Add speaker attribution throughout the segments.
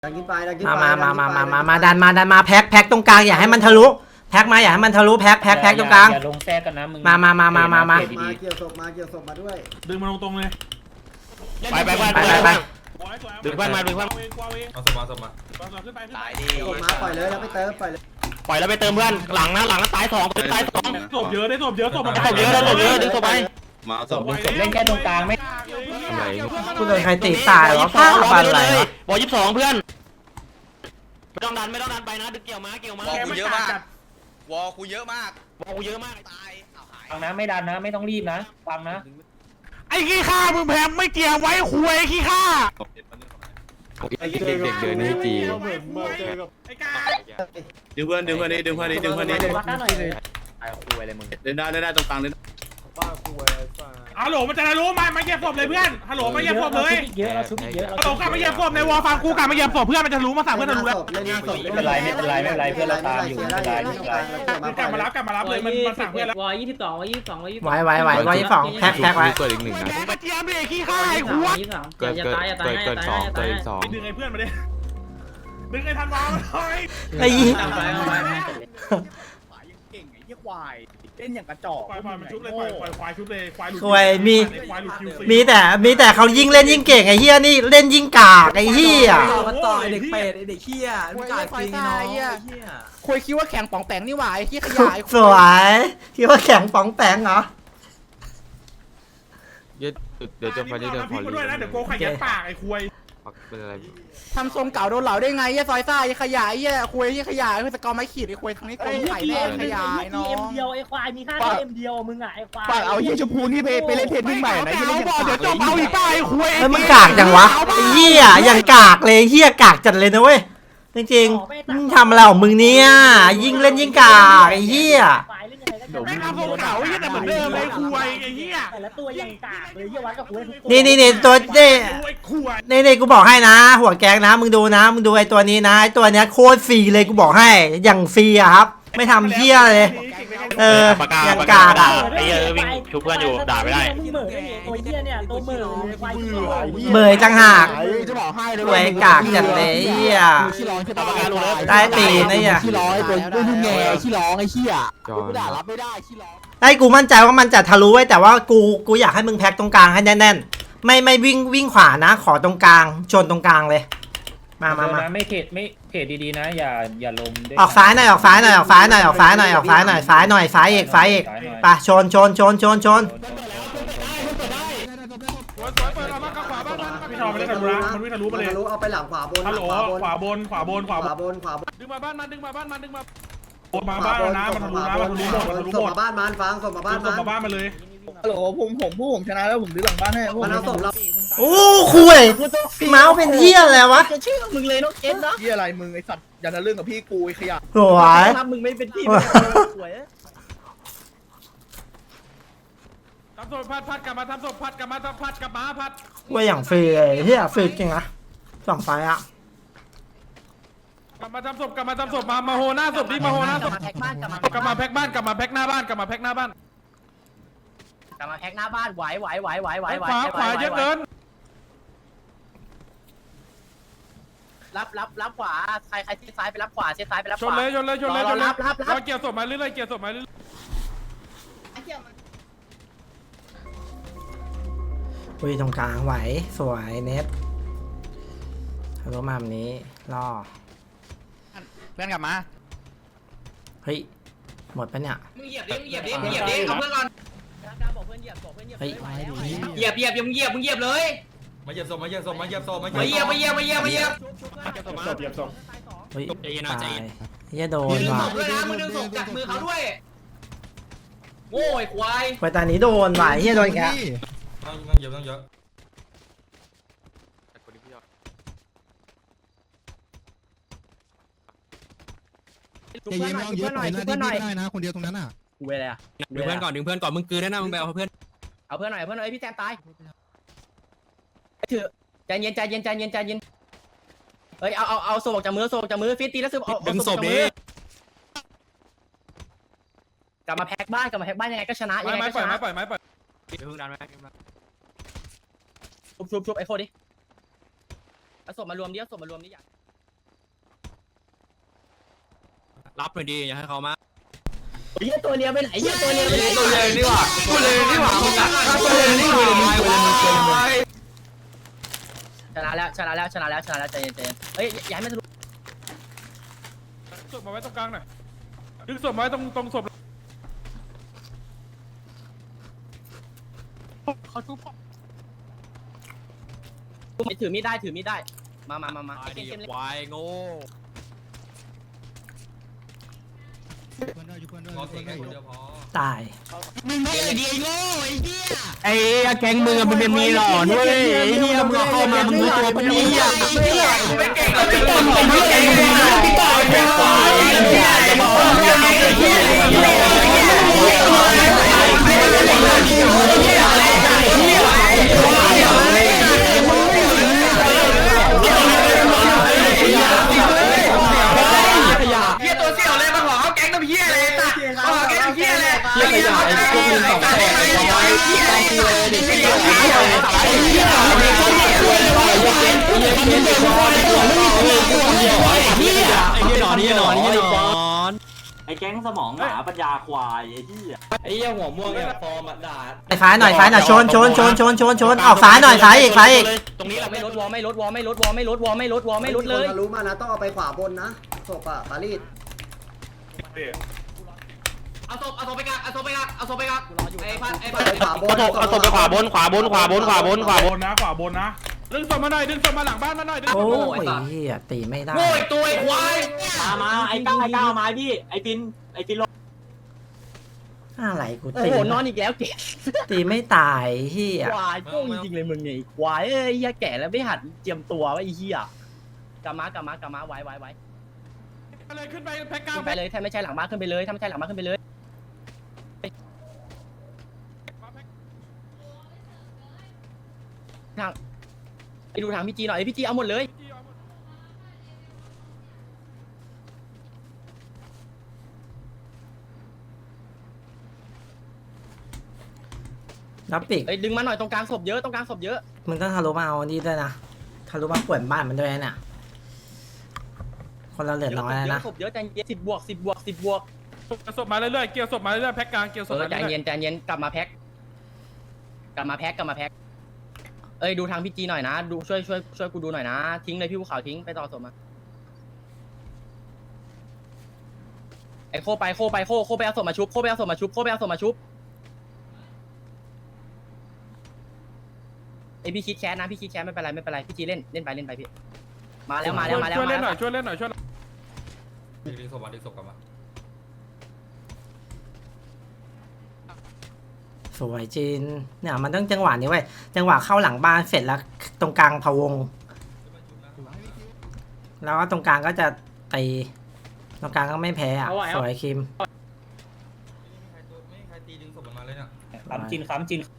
Speaker 1: ดันขึ้นไปดันขึ้น
Speaker 2: มา
Speaker 1: ไป
Speaker 2: มาดันมาแพ็คตรงกลางอย่าให้มันทะลุแพ็คมาอย่าให้มันทะลุแพ็คตรงกลาง
Speaker 3: อย่าลงแทรกกันนะมึง
Speaker 2: มา
Speaker 1: มาเกี่ยวศพมาด้วย
Speaker 4: ดึงมาตรงเลย
Speaker 5: ไป
Speaker 2: ไป
Speaker 5: ดึงเพื่อนมาดึงเพื่อน
Speaker 4: เอาสมาขึ้นไป
Speaker 5: ตายดิ
Speaker 1: ศพมาปล่อยเลยแล้วไปเติมปล่อยเลย
Speaker 5: ปล่อยแล้วไปเติมเพื่อนหลังนะตายสอง
Speaker 4: ศพเยอะได้ศพเยอะศพมัน
Speaker 5: ศพเยอะดึงศพไป
Speaker 6: มาเอาศพ
Speaker 3: เล่นแค่ตรงกลางไม่
Speaker 2: กูโดนใครตีตายวะผ้าบันอะไรวะ
Speaker 5: บอ22เพื่อนไม่ต้องดันไปนะดึงเกี่ยวมา
Speaker 4: วอลกูเยอะมาก
Speaker 5: วอลกูเยอะมากตาย
Speaker 3: ฟังนะไม่ดันนะไม่ต้องรีบนะฟังนะ
Speaker 4: ไอ้ขี้ข้ามึงแพมไม่เกี่ยวไว้คุยขี้ข้า
Speaker 6: เด็กเดินนี่จี
Speaker 4: ไอ้กา
Speaker 6: ดึงเพื่อนนี่
Speaker 3: วัดหน้าหน่อยเลย
Speaker 5: ตายคุยอะไรมึง
Speaker 6: เดินได้ตรงกลางเลย
Speaker 4: ฮัลโหลมันจะรู้ไหมมาเก็บศพเลยเพื่อนฮัลโหลมาเก็บศพเลย
Speaker 3: เยอะเราชุบเยอะ
Speaker 4: ฮัลโหลกลับมาเก็บศพในวอลฟังกูกลับมาเก็บศพเพื่อนมันจะรู้มาสั่งเพื่อนจะรู้แล้ว
Speaker 1: เล่นหน้าศพ
Speaker 3: ไม่เป็นไรเพื่อนเราตามอยู่ไม่เป็นไร
Speaker 4: กลับมารับเลยมันสั่งเพื่อนแล้ว
Speaker 7: วอ22วอ22วอ22
Speaker 2: ไหววันที่สองแพ็คไว้
Speaker 6: เกิดอีกหนึ่งนะ
Speaker 4: มึงมาเจียมเลยขี้ข้าไอ้หัว
Speaker 7: เกิดตายอย่าตายอย่าตายอย่าตาย
Speaker 4: ดึงไอ้เพื่อนมาดิดึงไอ้ธันวามาเลย
Speaker 2: ไอ้ยี่
Speaker 7: เอาไปเอาไป
Speaker 5: เก่งไอ้เหี้ยควายเล่นอย่างกระจอก
Speaker 4: ควายมันชุบเลยควายชุบเลยควายหลุด
Speaker 2: ควยมี
Speaker 4: ควายหลุดคิวซี
Speaker 2: มีแต่เขายิ่งเล่นยิ่งเก่งไอ้เฮียนี่เล่นยิ่งกากไอ้เฮีย
Speaker 4: มันต่อยเด็กเป็ด
Speaker 8: เด็กเขี้ยมึงกาดจริงเนาะ
Speaker 5: คุยคิดว่าแข่งป่องแปงนี่หว่าไอ้เหี้ยขยาย
Speaker 2: สวยคิดว่าแข็งป๋องแปงเหรอ
Speaker 6: เดี๋ยวจะไปเดินพอ
Speaker 4: ด้วยนะเดี๋ยวโกไข่ยัดปากไอ้ควาย
Speaker 6: เป็นอะไร
Speaker 5: ทำทรงเก่าโดนเหล่าได้ไงไอ้ซอยซ่าไอ้ขยายไอ้คุยไอ้ขยายไอ้สกอร์ไม่ขีดไอ้คุยทางนี้กลมไข่แดงขยายเนาะ
Speaker 7: เอ็มเดียวไอ้ควายมีค่าแค่เอ็มเดียวมึงอ่ะไอ้ควาย
Speaker 5: ฝากเอาเหี้ยชมพูนี่ไปเล่นเทนนิ่งใหม่นะเหี้ย
Speaker 4: เอา
Speaker 5: เล่น
Speaker 4: บอลเดี๋ยวจบเอาอีกป้าไอ้ควาย
Speaker 2: เฮ้ยมึงกากจังวะไอ้เฮียอย่างกากเลยเฮียกากจัดเลยนะเว้ยจริงๆมึงทำอะไรของมึงเนี่ยยิ่งเล่นยิ่งกากไอ้เฮีย
Speaker 4: แม่งทำทรงเก่าไอ้เหี้ยแต่เหมือนเดิมเลยควายไอ้เหี้ย
Speaker 7: แต่ละตัวยังกากเลยเยี่ยวัดกับกูทุกตัว
Speaker 2: นี่ตัวนี่
Speaker 4: ไอ้ควาย
Speaker 2: นี่กูบอกให้นะ หัวแกงนะมึงดูนะมึงดูไอ้ตัวนี้นะไอ้ตัวเนี้ยโคตรฟรีเลยกูบอกให้อย่างฟรีอะครับ ไม่ทำเฮียเลยอย่างกากอะ
Speaker 7: ไอ้เหี้ยวิ่งชูเพื่อนอยู่ด่าไม่ได้เหม่อตัวเหี้ยเนี่ยตัวเหม่อควาย
Speaker 2: เบยจังหาก
Speaker 5: จะบอกให้เลย
Speaker 2: หวยกากจัดเลยเฮีย
Speaker 5: ขี้ร้องใช่ปะ
Speaker 2: ใต้ตีนไอ้เหี้ย
Speaker 5: ขี้ร้องไอ้ตัวรุ่นแง่ขี้ร้องไอ้เหี้ยกูด่ารับไม่ได้ขี้ร้อง
Speaker 2: ไอ้กูมั่นใจว่ามันจะทะลุไว้แต่ว่ากูอยากให้มึงแพ็คตรงกลางให้แน่นๆไม่วิ่งขวานะขอตรงกลางชนตรงกลางเลยมา
Speaker 3: ไม่เทรดดีๆนะอย่าลง
Speaker 2: ออกซ้ายหน่อยซ้ายหน่อยซ้ายอีกไปชน
Speaker 4: พี่ชอบไม่ได้ทะลุนะมันวิ่งทะลุมาเลย
Speaker 1: เอาไปหลังขวาบน
Speaker 4: ฮัลโหลขวาบน ดึงมาบ้านมันดึงมาบ้านมันมาบ้านนะมันทะลุนะมันทะลุหมดมันทะลุห
Speaker 1: ส่ง
Speaker 4: มด
Speaker 1: มาบ้านมันฟังส่งมาบ้าน
Speaker 4: ส่งมาบ้านมาเลย
Speaker 5: ฮัลโหลผมชนะแล้วผมดื้อหลังบ้านให้
Speaker 1: มันเอาศพเรา
Speaker 2: โอ้คุยเมาส์เป็นเที่ยอะไรวะ
Speaker 5: จะชื่อมึงเลยน้องเอ็นนะที่อะไรมึงไอสัตว์อย่าทะลึ่งกับพี่กูไอขยะ
Speaker 2: สวย
Speaker 5: ถ้ามึงไม่เป็นพี่สวย
Speaker 4: ทำศพพัดกลับมาทำศพพัดกลับมาพัด
Speaker 2: ว่าอย่างฟรีเลยเฮียฟรีจริงนะสองไฟอะ
Speaker 4: กลับมาทำศพมาโหหน้าศพดิมาโหหน้าศพกลับมาแพ็คบ้านกลับมาแพ็คหน้าบ้านไหวขวาเยอะเกิน
Speaker 5: รับขวาใครที่ซ้ายไปรับขวาเส้นซ้ายไปรับ
Speaker 4: ช
Speaker 5: ข
Speaker 4: น
Speaker 5: วา
Speaker 4: เลย
Speaker 5: รับ
Speaker 4: เราเกี่ยวศพมาเรื่อย
Speaker 2: อุ้ยตรงกลางไหวสวยเน็ตทะลุมาแบบนี้ล่อ
Speaker 5: เพื่อนกลับมา
Speaker 2: เฮ้ยหมดปะเนี่ย
Speaker 5: มึงเหยียบดิเอาเพื่อนก่อน
Speaker 2: เฮ้ย
Speaker 5: เหยียบเลย
Speaker 6: มาเหยียบศพมาเหยียบ
Speaker 5: มาเหยียบ
Speaker 2: เฮ้ยตายเฮียโดนว่ะ
Speaker 5: ด้วยนะมึงดึงศพจากมือเขาด้วยโง่ไอ้ควาย
Speaker 2: ไปตอนนี้โดนว่ะเฮียโดนแก
Speaker 6: ต้องเยอะ
Speaker 8: อย่าเย็นไม่ต้องเยอะปล่อยหน้าที่ไม่ได้นะคนเดียวตรงนั้นอ่ะ
Speaker 5: กูไปเลยอ่ะ
Speaker 6: ดึงเพื่อนก่อนมึงกืนได้นะมึงไปเอาเพื่อน
Speaker 5: เอาเพื่อนหน่อยพี่แซมตายถือใจเย็นเฮ้ยเอาศพออกจากมือฟิตตีแล้วดึงศพดิกลับมาแพ็คบ้านยังไงก็ชนะยังไง
Speaker 4: ไม้
Speaker 5: ก็
Speaker 4: ปล่
Speaker 5: ช
Speaker 4: อย
Speaker 5: นะ
Speaker 4: ไม้ปล่อย
Speaker 5: ชุบไอ้โคดิเอาศพมารวมดิอยาก
Speaker 6: รับหน่อยดีอย่าให้เขามา
Speaker 5: เฮียตัวเลียไปไหนเฮียตัวเลียไปไหน
Speaker 6: ตัวเลยนี่หว่าตัวเลยนี่หว่ามึงนะตัวเลยนี่หว่า
Speaker 5: ชนะแล้วใจเย็นเฮ้ยย้ายไม่ทะลุ
Speaker 4: ศพมาไว้ตรงกลางหน่อยดึงศพมาไว้ตรงศพเขาทุบ
Speaker 5: ถือมีดได้มา
Speaker 6: ไอ้เด็กควายโง่รอเสียงแค่คนเดียวพอ
Speaker 2: ตาย
Speaker 8: มึงไม่เลยดีไอ้โง่ไอ้เหี้ย
Speaker 6: ไอ้แก๊งมึงมันมีหล่อด้วยไอ้เหี้ยมึงเข้ามามึงรู้ตัวปะเนี่ยไม่เก่งหรอกไม่เก่งไม่ต่อยไม่ควายไอ้เหี้ยจะมาฟังยังไงไอ้เหี้ยตัวเสี่ยวเลยมาหอแก๊งน้ำเหี้ยเลยจ้ะหอแก๊งน้ำเหี้ยเลยเหี้ยขยะไอ้พวกมึงสองคนไอ้เหี้ยไอ้เหี้ยไอ้เหี้ยไอ้เหี้ยไอ้เหี้ยไอ้เหี้ยหนอนไอ้แก๊งสมองหมาปัญญาควายไอ้เหี้ย
Speaker 3: ไอ้เหี้ยหัวม่วงเนี่ยฟอร์มด่า
Speaker 2: ซ้ายหน่อยชนออกซ้ายหน่อยซ้ายอีก
Speaker 6: ตรงนี้เรา
Speaker 5: ไม่ลดวอไม่ลดเลย
Speaker 1: ทะลุมานะต้องเอาไปขวาบนนะศพอะปารีส
Speaker 6: เอาศพไปกักไอ้พัน
Speaker 1: ไปขวาบน
Speaker 4: ขวาบนนะดึงศพมาหน่อยดึงศพมาหลังบ้านมาหน่อยดึงศ
Speaker 2: โอ้
Speaker 4: พมา
Speaker 2: ยเหี้ยตีไม่ได้
Speaker 6: โง่อีกตัวไอ้ควาย
Speaker 5: มาไอ้ก้าวมาพี่ไอ้ปินลง
Speaker 2: อะไรกู
Speaker 5: โอ้
Speaker 2: ตี
Speaker 5: โหนอนอีกแล้วเก๋
Speaker 2: ตีไม่ตายเหี้ย
Speaker 5: ควายโป้งจริงเลยมึงไงควายเอ้ยเฮียแก่แล้วไม่หัดเจียมตัวไอ้เฮียกลับมาไว้
Speaker 4: เลยขึ้นไปแพ็กกลาง
Speaker 5: ขึ้นไปเลยถ้าไม่ใช่หลังบ้านขึ้นไปเลยทางไปดูทางพี่จีหน่อยพี่จีเอาหมดเลย
Speaker 2: รับปีก
Speaker 5: เอ้ยดึงมาหน่อยตรงกลางศพเยอะ
Speaker 2: มึงต้องทะลุมาเอานี่ด้วยนะทะลุมาป่วนบ้านมันด้วยนะคนเราเหลือน้อยแล้วนะ
Speaker 5: ศพเยอะใจเย็น10 บวก
Speaker 4: ศพมาเรื่อยๆเกี่ยวศพมาเรื่อยๆแพ็กกลางเกี่ยวศพมา
Speaker 5: ใจ
Speaker 4: เรื่อย
Speaker 5: เย็นกลับมาแพ็คเอ้ยดูทางพี่จีหน่อยนะดูช่วยกูดูหน่อยนะทิ้งเลยพี่ภูเขาทิ้งไปต่อศพมาไอ้โคไปเอาศพมาชุบไอพี่คิดแคสนะไม่เป็นไรพี่จีเล่นไปพี่มาแล้ว
Speaker 4: ช่วยเล่นหน่อยช่วย
Speaker 6: ดึงศพกลับมา
Speaker 2: สวยจีนเนี่ยมันต้องจังหวะนี้เว้ยจังหวะเข้าหลังบ้านเสร็จแล้วตรงกลางพะวงแล้วก็ตรงกลางก็จะตีตรงกลางก็ไม่แพ้อ่ะสวยคิม
Speaker 6: ไม่มีใครตีดึงศพมันมาเลยเนี่ย
Speaker 3: ขำจิน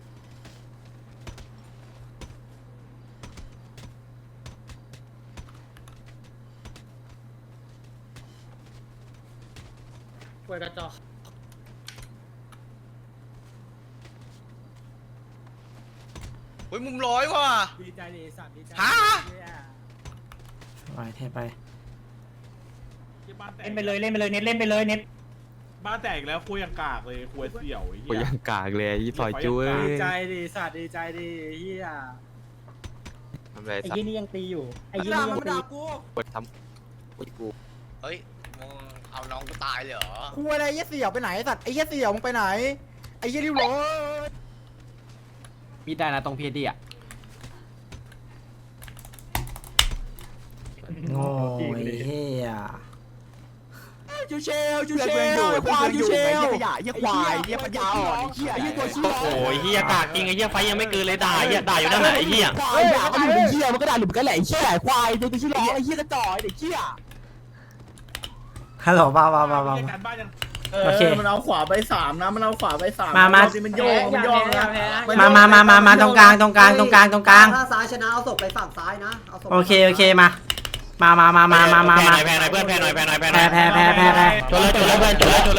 Speaker 5: ช่วยกระจอก
Speaker 6: อุ้ยมุมร้อยว่ะ
Speaker 7: ดีใจดิสัตว์ดีใจ
Speaker 6: ฮะ
Speaker 2: ไปเทไป
Speaker 3: เล่นไปเลยเน็ต
Speaker 4: บ้านแตกแล้วคุยยังกากเลยคุยเสี่ยวไอ้
Speaker 6: โอ้ย
Speaker 4: เหี้ย
Speaker 6: ยังกากเลยยี่ต่อยจุ้ย
Speaker 7: ดีใจดิสัตว์ดีใจดิเฮีย
Speaker 6: ทำไร
Speaker 3: ไอ้
Speaker 6: สัต
Speaker 3: ยี่
Speaker 6: ว์
Speaker 3: นี่ยังตีอยู่ไอ้ยี่นี่ยังตี
Speaker 6: กดทำกู
Speaker 9: เฮ้ยมึงเอาน้องกูตายเลยเหรอ
Speaker 7: คุยอะไรไอ้เสี่ยวไปไหนสัตว์ไอ้เสี่ยวมึงไปไหนไอ้ริ้วร้อย
Speaker 6: มีได้นะตรงพีดีอ่ะ
Speaker 2: โง่ไอ้เหี้ย
Speaker 7: ยูเชลควายยูเชลขยะเยี่ยควายเยี่ยปัญญาอ่อนไอ้เหี้ยไอ้เหี้ยตัวชี้
Speaker 6: โอ้ยเฮียกากจริงไอ้เฮียไฟยังไม่เกินเลยด่าอยู่นั่นแหละไอ้เฮีย
Speaker 7: ควายด่าก็อยู่เป็นเหี้ยมันก็ด่าหลุมกันแหละไอ้เหี้ยควายตัวชี้ร้องไอ้เหี้ยกระจอกไอ้เด็กเหี้ย
Speaker 2: ฮัลโหลบ้า
Speaker 4: การบ้านยัง
Speaker 2: โอเค
Speaker 7: มันเอาขวาไป3นะมันเอาขวาไป3
Speaker 2: มา
Speaker 7: มันโยงนะ
Speaker 2: มาตรงกลาง
Speaker 1: ถ้าซ้ายชนะเอาศพไปฝั่งซ้ายนะเอาศพ
Speaker 2: โอเคมา
Speaker 6: แพ้หน่อยเพื่อนแพ้หน่อย
Speaker 2: แพ้
Speaker 6: ชนเลยเพื่อนเพื่อน
Speaker 4: ดึงศพ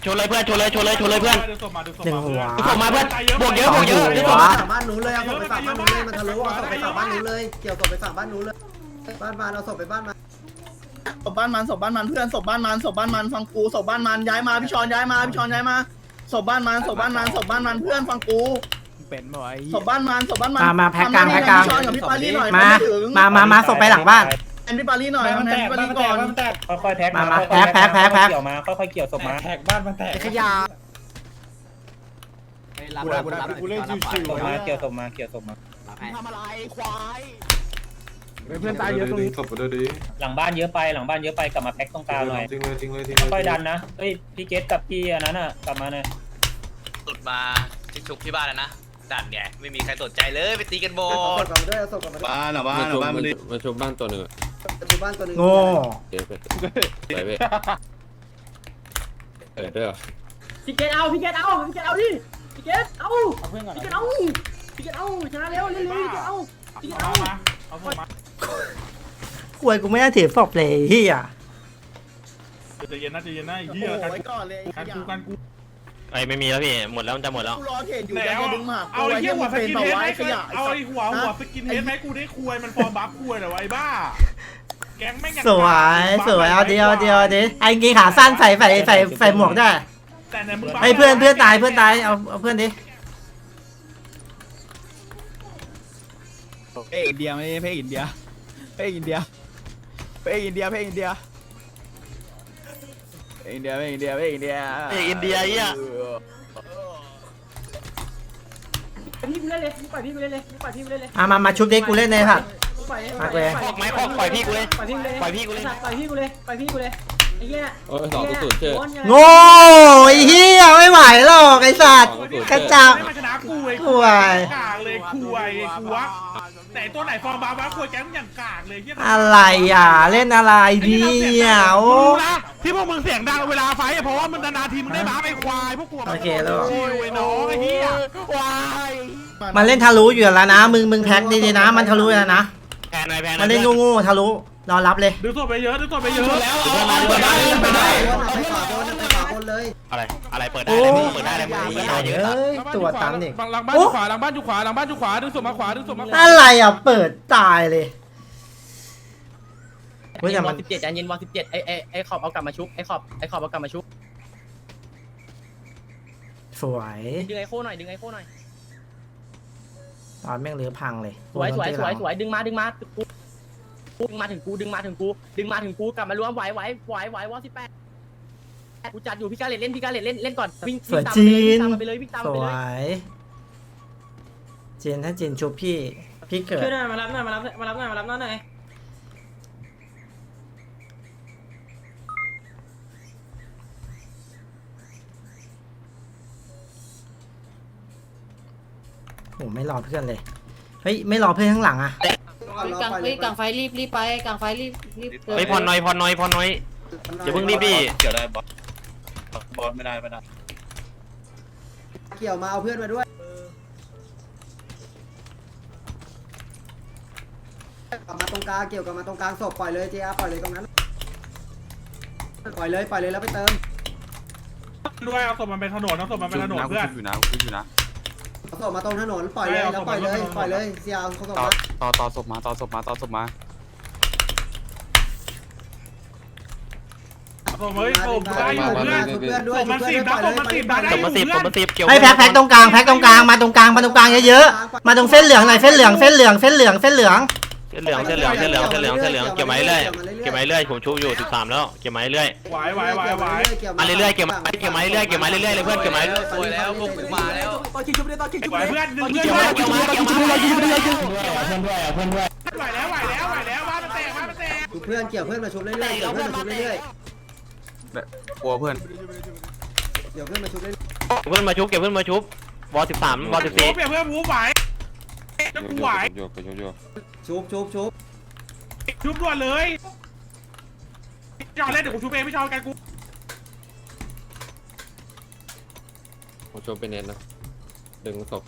Speaker 4: มา
Speaker 2: หนึ่งหัว
Speaker 6: ส่งมาเพื่อนบวกเยอะ
Speaker 1: ฝั่งบ้านนู้นเลยเอาศพไปฝั่งบ้านนู้นเลยมันทะลุเอาศพไปฝั่งบ้านนู้นเลยเกี่ยวศพไปฝั่งบ้านนู้นเลยบ้านมาเอาศพไปบ้านมา
Speaker 7: ศพบ้านมันเพื่อนศพบ้านมันฟังกูศพบ้านมันย้ายมาพี่ชอนย้ายมาศพบ้านมันเพื่อนฟังกูเป็นบ่อยศพบ้านมัน
Speaker 2: มาแพ็กกลาง
Speaker 7: พี่ชอนกับพี่ปารีหน่อย
Speaker 2: มาส่งไปหลังบ้าน
Speaker 7: แอนพี่ปารีหน่อยแอนพี่ปารีก่อน
Speaker 3: ค่อยๆแพ็ก
Speaker 2: มาแพ็ก
Speaker 3: เกี่ยวมาค่อยๆเกี่ยวศพมาแพ็กบ้านมันแตก
Speaker 7: ขยะ
Speaker 3: กูเล่นชิวๆมาเกี่ยวศพมา
Speaker 7: ทำอะไรควาย
Speaker 4: เพื่อนตายเยอะตรงนี้
Speaker 3: หลังบ้านเยอะไปกลับมาแพ็กตรงกลางหน่อยค่อยดันนะเฮ้ยพี่เกตกับพี่อันนั้นอ่ะกลับมาหน่อย
Speaker 9: สุดมาที่ชุบที่บ้านแล้วนะดันเนี่ยไม่มีใครสนใจเลยไปตีกันโบ
Speaker 1: เอาศพกลับมาด้วยเอาศพกลับมาด้วย
Speaker 8: บ้านมาชมบ้านตัวหนึ่ง
Speaker 1: ประตูบ้านตัวหนึง
Speaker 2: โง่
Speaker 8: เดี๋ยวไปเว้ยด้วย
Speaker 5: พี่เกตเอาดิพี่เกตเอาพี่เกตเอาชนะเร็วพี่เกตเอา
Speaker 4: เอาศพมา
Speaker 2: กวยกูไม่ได้ถือศพเลยเฮีย
Speaker 4: ใจเย็นนะไอ้เหี้ย
Speaker 7: ไว้ก่อนเลย
Speaker 4: กันกู
Speaker 6: ไอ้ไม่มีแล้วพี่หมดแล้วมันจะหมดแล้ว
Speaker 7: กูรอเขตอยู่
Speaker 4: แล้ว
Speaker 7: จะดึงหมาก
Speaker 4: เอาไอ้เหี้ยหัวสกินเฮดไหม
Speaker 7: ขยะ
Speaker 4: เอาไอ้หัวสกินเฮดไหมกูได้คุยมันฟอร์มบัฟคุยเหรอไอ้บ้าแก๊งแม่ง
Speaker 2: สวยเอาดิไอ้กีขาสั้นใส่หมวกได้
Speaker 4: แต่ในมึง
Speaker 2: ไอ้เพื่อนตายเอาเพื่อนดิ
Speaker 7: เพลงอินเดียไม่ใช่เพลงอินเดียเพลงอินเดีย
Speaker 6: อ่ะ
Speaker 5: พี่กูเล่นเลยปล่อยพี่กูเล่นเลย
Speaker 2: มาชุบดิกูเล่นในผัด มาเลย
Speaker 6: ออกไหมออกปล่อยพี่กูเลย
Speaker 5: ปล่อยพี่กูเลยไอ้เหี้ย
Speaker 2: โง่ไอ้เฮียไม่ไหวหรอกไอ้สัตว์กระจับ
Speaker 4: ไม่มาชนะกูไอ้
Speaker 2: คุย
Speaker 4: กากเลยคุยกูวะแต่ตัวไหนฟอร์มบัฟคุยแก๊งอย่างกากเลยเหี้ย
Speaker 2: อะไรอ่ะเล่นอะไรเนี่ยโอ้
Speaker 4: รู้นะที่พวกมึงเสียงดังเวลาไฟเพราะว่ามึงนานๆทีมึงได้บ้าไอ้ควายพวกกู
Speaker 2: โอเคแล้ว
Speaker 4: ชิวไอ้น้องไอ้เหี้ย
Speaker 2: มันเล่นทะลุอยู่แล้วนะมึงแพ็คดีๆนะมันทะลุแล้วนะ
Speaker 6: แพนหน่อย
Speaker 2: มันเล่นโง่ๆทะลุรอรับเลย
Speaker 4: ดึงตัวไปเยอะแล้ว
Speaker 1: ไปขวาบนเลย
Speaker 6: อะไรเปิดได้เลยเปิดได้เลยมึงเยอะ
Speaker 2: ตัวตันอีก
Speaker 4: หลังบ้านอยู่ขวาหลังบ้านอยู่ขวาดึงศพมาขวา
Speaker 2: อะไรอ่ะเปิดตายเลยเฮ้ยแต่
Speaker 5: ว
Speaker 2: มั
Speaker 5: อน 17ใจเย็นวอน17ไอ้ขอบเอากลับมาชุบไอ้ขอบเอากลับมาชุบ
Speaker 2: สวย
Speaker 5: ดึงไอ้โค้หน่อย
Speaker 2: ตอนแม่งเรือพังเลย
Speaker 5: สวยดึงมาถึงกูกลับมารวมไหววอ18กูจัดอยู่พี่กาเลตเล่นก่อนวิ่งตามไปเลย
Speaker 2: สวยเจนถ้าเจนชุบพี่เกิด
Speaker 5: ช่วยหน่อยมารับหน่อย
Speaker 2: โอ้ไม่รอเพื่อนเลยเฮ้ยไม่รอเพื่อนข้างหลังอ่ะ
Speaker 1: กลางไฟ
Speaker 10: รีบไปกลางไฟรีบ
Speaker 6: ไปพอนน้อยอย่าเพิ่งรีบดิ
Speaker 1: เกี่ยวมาเอาเพื่อนมาด้วยกลับมาตรงกลางเกี่ยวกับมาตรงกลางศพปล่อยเลยเจ้าปล่อยเลยตรงนั้นปล่อยเลยแล้วไปเติม
Speaker 4: ด้วยเอาศพมันเป็นถนนเพื่อน
Speaker 1: เอาศพมาตรงถนนปล่อยเลยแล้วปล่อยเลยเสียเอาศพมา
Speaker 7: ต่อศพมา
Speaker 4: ศพเฮ้ยศพได้อยู่เพื่อน
Speaker 1: เพื่อนด้วย
Speaker 4: ศพมัน10นะศพมัน10ได้
Speaker 6: ศพมา10เกี่ยว
Speaker 2: ไอ้แพ็คตรงกลางมาตรงกลางเยอะๆมาตรงเส้นเหลืองหน่อยเส้นเหลืองเก็บไม้เรื่อยผมชูอยู่13แล้วเก็บไม้เรื่อย
Speaker 4: ไหว
Speaker 6: มาเรื่อยเก็บไม้เรื่อยเลยเพื่อนเก็บไม้
Speaker 9: สวยแล้วพวกกูมาแล้ว
Speaker 4: ไหวเพื่อนดึงเพื่อนไหวแล้วว่ามันแตก
Speaker 1: เพื่อนเกี่ยวเพื่อนมาชุบเรื่อยๆกลัวเพื่อนเดี๋ยวเพื่อนมาชุบเรื่อย
Speaker 6: เพื่อนมาชุบเก็บเพื่อนมาชุบวอ13วอ14
Speaker 4: เพื่อนวูไหวจะกูไหว
Speaker 1: ชุบ
Speaker 4: ชุบด่วนเลยจอเล่นเดี๋ยวกูชุบเองไม่ชอบกันกู
Speaker 8: ผมชมเป็นเน้นนะดึงศพ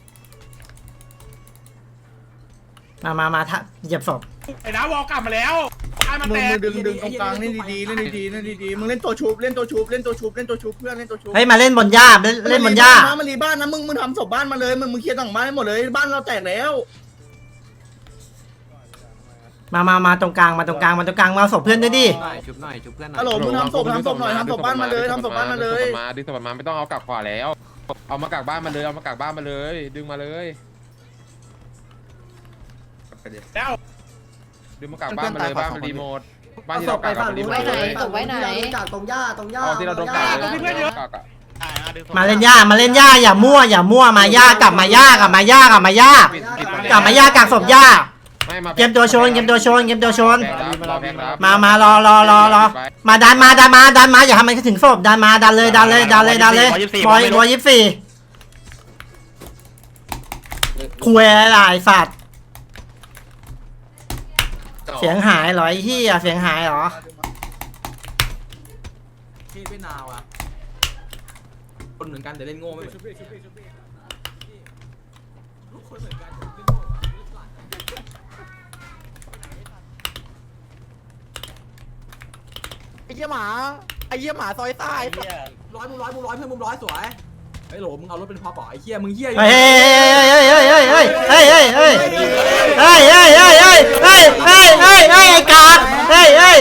Speaker 2: มาเหยียบศพ
Speaker 4: ไอ้น้าวอลกลับมาแล้วมัน
Speaker 7: มึ
Speaker 4: แต
Speaker 7: ง
Speaker 4: ก
Speaker 7: ดึงตรงกลางเล่นดีๆมึงเล่นตัวชุบเพื่อนเล่นตัวชุบ
Speaker 2: เฮ้ยมาเล่นบนหญ้าเล่นบนหญ้า
Speaker 7: มันรีบ้านนะมึงทำศพบ้านมาเลยมึงเคลียร์ต่างบ้านให้หมดเลยบ้านเราแตกแล้ว
Speaker 2: มาตรงกลางมาเอาศพเพื่อนด้วยดิ
Speaker 6: ชุบหน่อยชุบเพื่อนหน่อย
Speaker 7: ฮัลโหลมึงทำศพหน่อยทำศพบ้านมาเลยทำศพบ้านมาเลย
Speaker 10: ดึงศพมาไม่ต้องเอากลับขวาแล้ว เอามากลับบ้านมาเลยดึงมาเลย
Speaker 4: แล้ว
Speaker 10: ดึงมากลับบ้านมาเลยบ้านมันรีโมทบ้านที่
Speaker 1: ศ
Speaker 10: เรา
Speaker 1: พ
Speaker 10: ก
Speaker 1: ไป
Speaker 10: ลับ
Speaker 1: ฝั่ง
Speaker 10: รี
Speaker 1: นู้
Speaker 10: โม
Speaker 1: น
Speaker 10: ทเลย
Speaker 1: ศพไว้ไหนจากตรงหญ้า
Speaker 10: เอาที่เราโดนกัด
Speaker 2: มาเล่นย่าอย่ามั่วมาย่ากลับมาย่ากลับมาย่ากากศพย่าเกมตัวชนมารอมาดันมาอย่าทำมันถึงศพดันมาดันเลยบอย24คุยอะไรสัตว์เสียงหายเหรอไอ้เหี้ยเสียงหายเหรอ
Speaker 6: พี่ไม่นาวอ่ะคนเหมือนกันแต่เล่นโง่ไม่เหมือน
Speaker 5: ไอ้เหี้ยหมาซอยใต้ร้อยมึงร้อยเพื่อนมึงร้อยสวยไอ้โหลมึงเอารถเป็นพอป่อไอ้เหี้ยมึงเหี้ย
Speaker 2: เฮ้ยไอ้กาเฮ้ย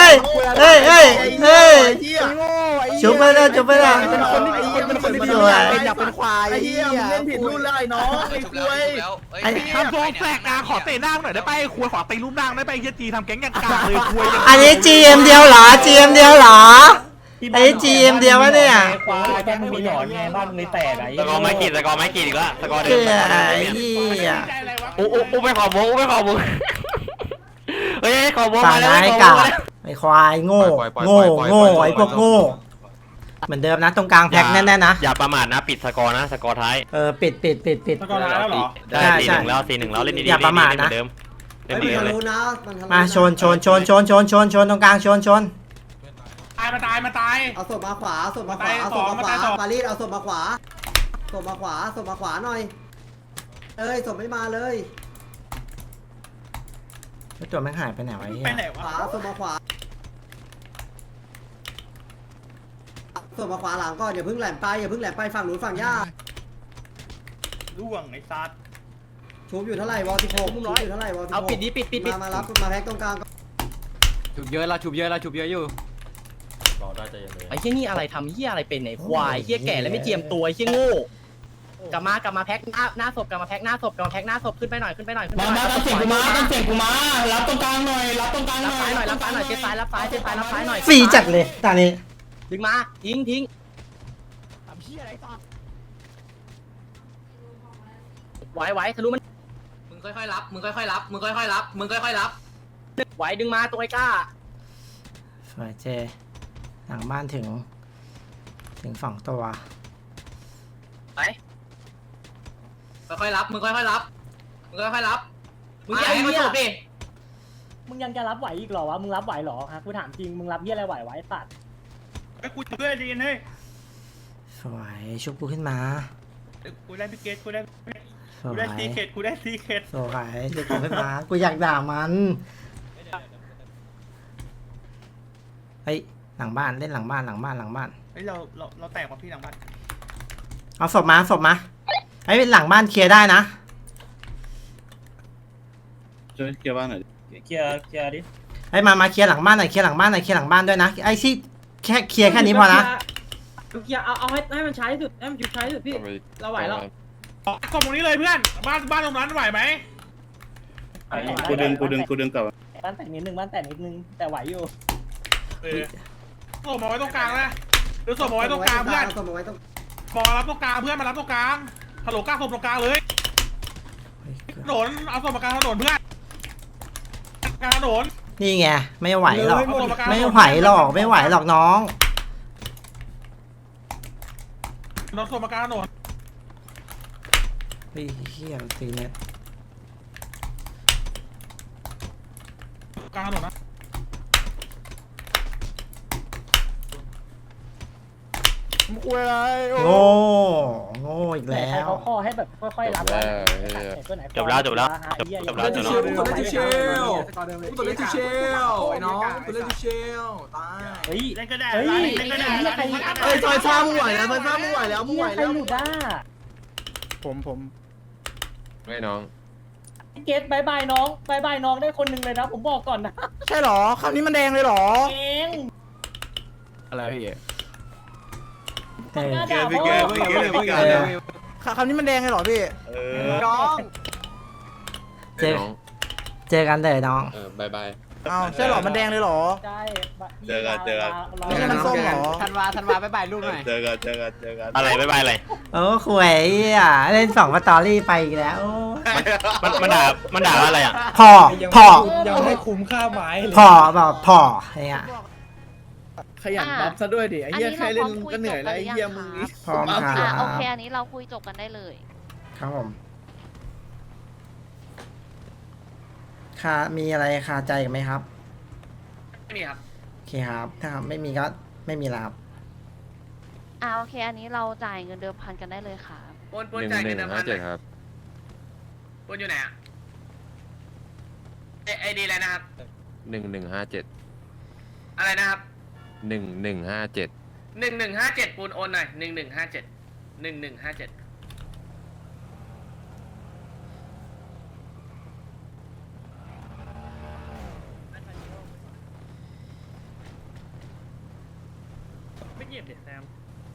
Speaker 2: ชุบไปแล้ว
Speaker 7: เป็นคนที่เป็นคนที่
Speaker 2: สวย
Speaker 5: อยากเป็นควาย
Speaker 7: ไอ้เหี้ยมึงเล่นผิดรุ่นแล้วไอ้น้องไอ้กล้วย
Speaker 4: ทำโฟงแตกกลางขอเตะนั่งหน่อยได้ไปครัวขอตีรูปนั่งได้ไปเฮียจีทำแก๊งอย่างกลางเลยครัว
Speaker 2: อันนี้ GM เดียวเหรอ ไอ้ GM เดียววะเนี่ย
Speaker 3: ควายบ้านมึงมีหนอนไงบ้านมึงเลยแตกไอ้
Speaker 6: สกอร์ไม่กี่อีกแล้วสกอร์เดิ
Speaker 2: เกลื
Speaker 6: ม
Speaker 2: อไอ้เหี้ย
Speaker 6: อู้ไปขอวงเฮ้ยขอวง
Speaker 2: ฝั่ง
Speaker 6: มาแล้ว
Speaker 2: นายกาไอ้ควายโง่ไอ้พวกโง่เหมือนเดิมนะตรงกลางแพ็คแน่ๆนะ
Speaker 6: อย่าประมาทนะปิดสกอร์นะสกอร์ท้าย
Speaker 2: ปิด
Speaker 4: สกอร์แล้วเหรอ
Speaker 6: ได้4-1แล้วเล่นดีๆ
Speaker 2: อย่าประมาทนะ
Speaker 6: เดิมเล่น
Speaker 1: ไม่
Speaker 6: ดี
Speaker 1: ทะ
Speaker 6: เลย
Speaker 1: ลุนะ
Speaker 2: มาชนตรงกลางชน
Speaker 4: มาตาย
Speaker 1: เอาศพมาขวาปารีสเอาศพมาขวาหน่อยศพไม่มาเลย
Speaker 2: แล้วตัวแม่งหายไปไหนวะไอ้เหี้ย
Speaker 1: ขวาศพมาขวาหลังก่อนอย่าเพิ่งแหลมไปฝั่งนู้นฝั่งย่า
Speaker 4: ล่วงไอ้ซัด
Speaker 1: ชูบอยู่เท่าไหร่วอล16ชูบอยู่เท่าไหร่วอล16
Speaker 5: เอาปิด
Speaker 1: มารับมาแพ็กตรงกลาง
Speaker 6: ชุบเยอะอยู่
Speaker 5: ไอ้เหี้ยนี่อะไรทำเหี้ยอะไรเป็นไอ้ควายเหี้ยแก่แล้วไม่เจียมตัวไอ้เหี้ยโง่กลับมาแพ็คหน้าศพขึ้นไปหน่อยมาตั้งเสียงกูมารับตรงกลางหน่อยรับซ้ายหน่อยเช็ดซ้ายรับซ้ายหน่อย
Speaker 2: ฟรีจัดเลยตอนนี้
Speaker 5: ดึงมาทิ้งไหวทะลุมัน
Speaker 9: มึงค่อยๆรับ
Speaker 5: ไหวดึงมาตัวไอ้ก้า
Speaker 2: สวยเจหลังบ้านถึง2 ตัว
Speaker 5: ไป
Speaker 9: ค่อยๆรับมึงอย่าให้มันจบดิ
Speaker 3: มึงยังจะรับไหวอีกเหรอวะมึงรับไหวเหรอฮะกูถามจริงมึงรับเหี้ยอะไรไหวไว้ตัด
Speaker 4: ไอ้กูเพื่อนดีนเฮ้ย
Speaker 2: สวยชุบกูขึ้นมา
Speaker 4: กูได้พิเกตกูได้
Speaker 2: สวย
Speaker 4: ซีเคทสวย
Speaker 2: ชุบกูขึ้นมากูอยากด่ามันเฮ้ยหลังบ้านเล่นหลังบ้าน
Speaker 4: เฮ้ยเราแตกกว่าพี่หลังบ้าน
Speaker 2: เอาศพมาไอ้หลังบ้านเคลียร์ได้นะ
Speaker 3: ช่วยเคลียร์บ้านหน่อยเคลียร์ดิ
Speaker 2: ไอ้มาเคลียร์หลังบ้านหน่อยเคลียร์หลังบ้านด้วยนะไอ้ที่แค่เคลียร์แค่นี้พอนะ
Speaker 3: เคลียร์เอาให้มันใช้สุดให้มันหยุดใช้สุดพี่เราไหวแล้ว
Speaker 4: กล่องตรงนี้เลยเพื่อนบ้านตรงนั้นไหวไหม
Speaker 3: กูดึงกลับบ้านแตกนิดนึงแต่ไหวอยู่
Speaker 4: ส่งมาไว้ตรงกลางนะหรือส่งมาไว้ตรงกลางเพื่อนบอกรับตรงกลางเพื่อนมารับตรงกลางฮัลโหลกล้าส่งตรงกลางเลยถนนเอาส่งมากลางถนนเพื่อนกลางถนน
Speaker 2: นี่ไงไม่ไหวหรอกน้อง
Speaker 4: เราส่งมากลางถนน
Speaker 2: เฮียตีเนี่ย
Speaker 4: กลางถนนนะ
Speaker 2: โง่อีกแล้ว
Speaker 3: เขาข้อให้แบบค่อยๆรับจบแล้ว
Speaker 6: ตัวเล่นชิเชลไอ้น้องตัวเล่นชิเชลตาย
Speaker 3: เฮ้ย
Speaker 4: เล่นก็ได้
Speaker 7: ซอยฟ้ามึงไหวแล้วมึงไหวแล้ว
Speaker 3: ใครหลุดได้
Speaker 10: ไม่น้อง
Speaker 3: พี่เกตบายบายน้องบายบายน้องได้คนหนึ่งเลยนะผมบอกก่อนนะ
Speaker 7: ใช่หรอคำนี้มันแดงเลยหรอ
Speaker 3: เอง
Speaker 6: อะไรพี่
Speaker 2: เออ
Speaker 3: ด่าพ่อ
Speaker 7: คำนี้มันแดงเลยหรอพี่น้อง
Speaker 2: เจอกันเถอะน้อง
Speaker 10: บายบาย
Speaker 7: อ้าวใช่หรอมันแดงเลยหรอ
Speaker 3: ใช่
Speaker 9: เจอกัน
Speaker 7: ไม่ใช่มันส้มหรอ
Speaker 5: ธันวาบายบายลูกหน่อย
Speaker 9: เจอกันอะไรบ๊ายบายอะไร
Speaker 2: โอ้ขวยอ่ะเล่น2สตอรี่ไปอีกแล้วโอ้
Speaker 9: มันด่าอะไรอ่ะ
Speaker 2: พ่อ
Speaker 3: ยังไม่คุ้มค่าไม้เลย
Speaker 2: พ่อแบบพ่อเนี่ย
Speaker 7: ขยันบัฟซะด้วยดิไอ้เหี้ยแค่เล่นก็เหนื่อยแล้วไอ้เหี้ยมึงนี่
Speaker 2: พร้อมครับ
Speaker 11: โอเคอันนี้เราคุยจบกันได้เลย
Speaker 2: ครับผมมีอะไรคาใจกันไหมครับ
Speaker 9: ไม่มีครับ
Speaker 2: โอเคครับถ้าไม่มีก็ไม่มีแล้วครับ
Speaker 11: โอเคอันนี้เราจ่ายเงินเดิมพันกันได้เลยค่ะ
Speaker 9: ปนจ่ายเงินเดือนพัน
Speaker 10: ครับ
Speaker 9: ปนอยู่ไหนอ่ะไอดีอะไรนะครับ
Speaker 10: 1157
Speaker 9: อะไรนะครับ
Speaker 10: 1157
Speaker 9: 1157ปูนโอนหน่อย1157
Speaker 3: ไม่เก็บเด็ดแซม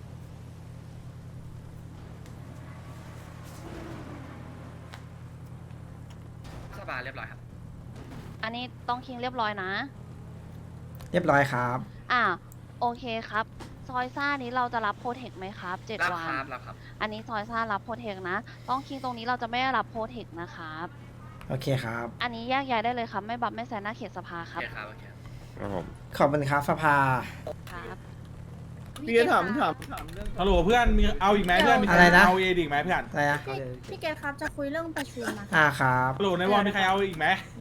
Speaker 9: สบายเรียบร้อยครับ
Speaker 11: อันนี้ต้องคิงเรียบร้อยนะ
Speaker 2: เรียบร้อยครับ
Speaker 11: โอเคครับซอยซ่านี้เราจะรับโปรเทคไหมครับ7
Speaker 9: รับ
Speaker 11: วัน
Speaker 9: ครับรับครับ
Speaker 11: อันนี้ซอยซ่ารับโปรเทคนะ ต้องคิงตรงนี้เราจะไม่ได้รับโปรเทคนะครับ
Speaker 2: โอเคครับ
Speaker 11: อันนี้แยกย้ายได้เลยครับไม่บับไม่แซนหน้าเขตสภาค
Speaker 9: โอ
Speaker 11: รับ
Speaker 9: เคครับโอเค
Speaker 10: ครับผม
Speaker 2: ขอบคุณครับสภา
Speaker 11: ครับ
Speaker 7: พี่ถามเรื่อง
Speaker 4: ฮัลโหลเพื่อนมีเอาอีกไหมเพื่อนมีใค
Speaker 2: อะไรนะ
Speaker 4: เอาเอดีกไหมเพื่อน
Speaker 2: อะไรนะ
Speaker 12: พี่เกดครับจะคุยเรื่องประชุมอะ
Speaker 2: ครับ
Speaker 4: ฮัลโหลในวอลมีใครเอาอีกไหม